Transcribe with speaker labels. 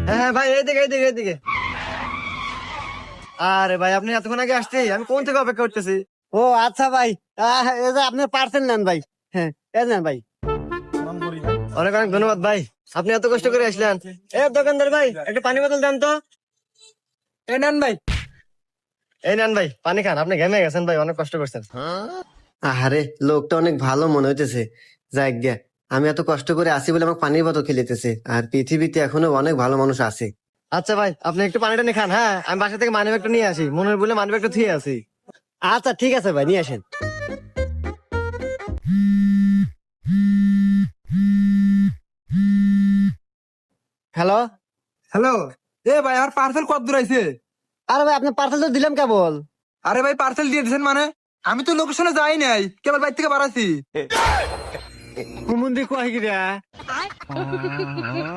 Speaker 1: হ্যাঁ হ্যাঁ ভাই, এইদিকে এইদিকে এইদিকে। আরে ভাই, আপনি এতক্ষণ আগে আসছি, আমি কোন থেকে অপেক্ষা করতেছি।
Speaker 2: ও আচ্ছা ভাই, এই যে আপনি পার্সেল নেন ভাই। হ্যাঁ, এই নেন ভাই।
Speaker 1: অনেক অনেক ধন্যবাদ ভাই, আপনি এত কষ্ট করে আসলেন। এ দোকানদার ভাই, একটা পানি বোতল দেন তো।
Speaker 2: এই নেন ভাই।
Speaker 1: এই নেন ভাই, পানি খান, আপনি ঘেমে গেছেন ভাই, অনেক কষ্ট করছেন।
Speaker 2: আরে লোকটা অনেক ভালো মনে হইতেছে। যাই গিয়া, আমি এত কষ্ট করে আসি বলে আমাকে পানির বোতল খেলিতেছে, আর পৃথিবীতে এখনো অনেক ভালো মানুষ আছে।
Speaker 1: আচ্ছা ভাই, আপনি একটু পানিটা নিয়ে খান। হ্যাঁ, আমি বাসা থেকে মানি ব্যাগটা নিয়ে আসি, মনের বলে মানি ব্যাগটা থুয়ে আসি।
Speaker 2: আচ্ছা ঠিক আছে ভাই, নিয়ে আসেন। হ্যালো।
Speaker 3: হ্যালো। এ ভাই, আমার পার্সেল কত দূর আইছে?
Speaker 2: আরে ভাই, আপনার পার্সেল তো দিলাম কেবল।
Speaker 3: আরে ভাই, পার্সেল দিয়ে দিয়েছেন মানে? আমি তো লোকেশনে যাই নাই, কেবল বাইর থেকে বাড়াছি।
Speaker 2: কুমুন্দি কয় গিরা